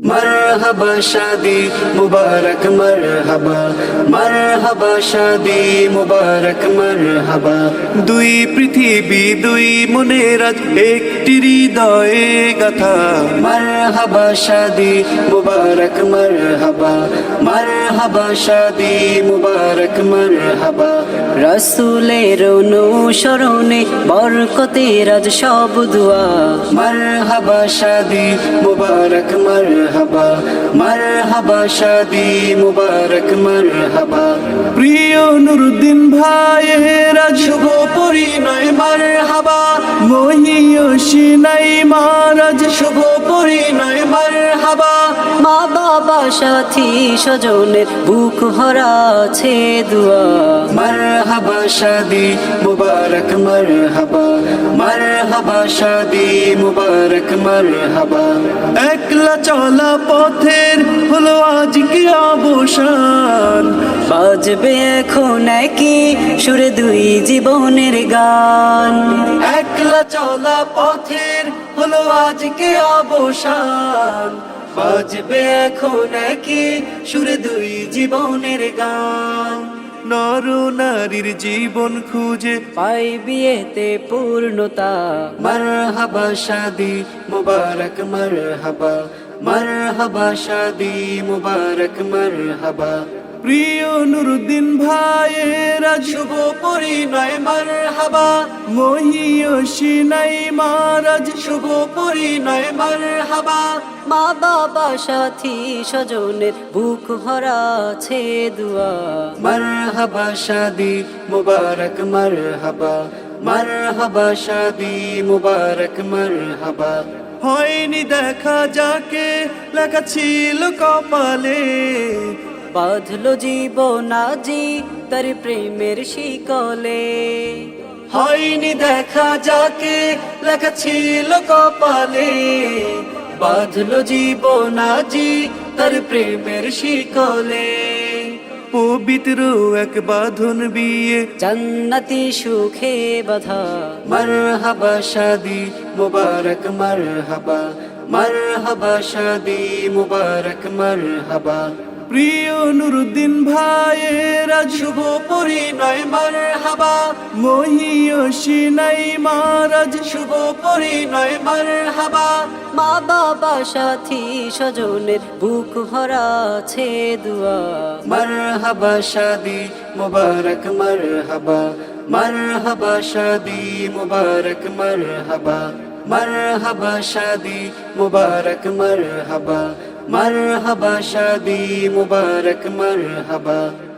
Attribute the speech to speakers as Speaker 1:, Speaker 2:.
Speaker 1: मरहबा शादी मुबारक मरहबा मरहबा शादी मुबारक मरहबा দুই পৃথিবী দুই মনের আজ একটি হৃদয়ে গাথা মরহবা শাদি মুবারক মরহবা মরহবা শাদি মুবারক মরহবা রাসূলের অনুসরণে বরকতের আজ সব দুয়া মরহবা শাদি মুবারক মরহবা মরহবা শাদি মুবারক মরহবা প্রিয় নুরুদ্দিন ভাইয়ের আজ শুভ পরিণয় মরহবা মহিয়সী নাই মারাজ শুভ পরিণয় মরহবা
Speaker 2: মা বাবা সাথী স্বজনের বুক ভরা আছে দুয়া
Speaker 1: মরহবা শাদি মুবারক মরহবা মরহবা শাদি মুবারক মরহবা একলা চলা পথের হলো আজ কি অবসান
Speaker 2: বাজবে এখন কি সুরে দুই জীবনের গান
Speaker 1: একলা চলা পথের হলো আজ কি অবসান বাজবে এখন কি সুরে দুই জীবনের গান নর নারীর জীবন খুঁজে
Speaker 2: পাই বিয়েতে পূর্ণতা
Speaker 1: মরহবা শাদি মুবারক মরহবা মরহবা শাদি মুবারক মরহবা প্রিয় নুরুদ্দিন ভাইয়ের আজ শুভ পরিণয় মরহবা মহিয়সী নাই মারাজ শুভ পরিণয় মরহবা
Speaker 2: মা বাবা সাথী স্বজনের বুক ভরা আছে দুয়া
Speaker 1: মরহবা শাদি মুবারক মরহবা মরহবা শাদি মুবারক মরহবা হয়নি দেখা যাকে লেখা ছিল কপালে
Speaker 2: বাঁধলো জীবন আজি তার প্রেমের শিকলে
Speaker 1: হয়নি দেখা যাকে লেখা ছিল কপালে বাঁধলো জীবন আজি তার প্রেমের শিকলে পবিত্র এক বাঁধন বিয়ে
Speaker 2: জান্নাতি সুখে বাধা
Speaker 1: মরহবা শাদি মুবারক মরহবা মরহবা শাদি মুবারক মরহবা প্রিয় নুরুদ্দিন ভাইয়ের আজ শুভ পরিণয় মরহবা মহিয়সী নাই মারাজ শুভ পরিণয় মরহবা
Speaker 2: মা বাবা সাথী স্বজনের বুক ভরা আছে দুয়া
Speaker 1: মরহবা শাদি মুবারক মরহবা মরহবা শাদি মুবারক মরহবা মরহবা শাদি মুবারক মরহবা মরহবা শাদি মুবারক মরহবা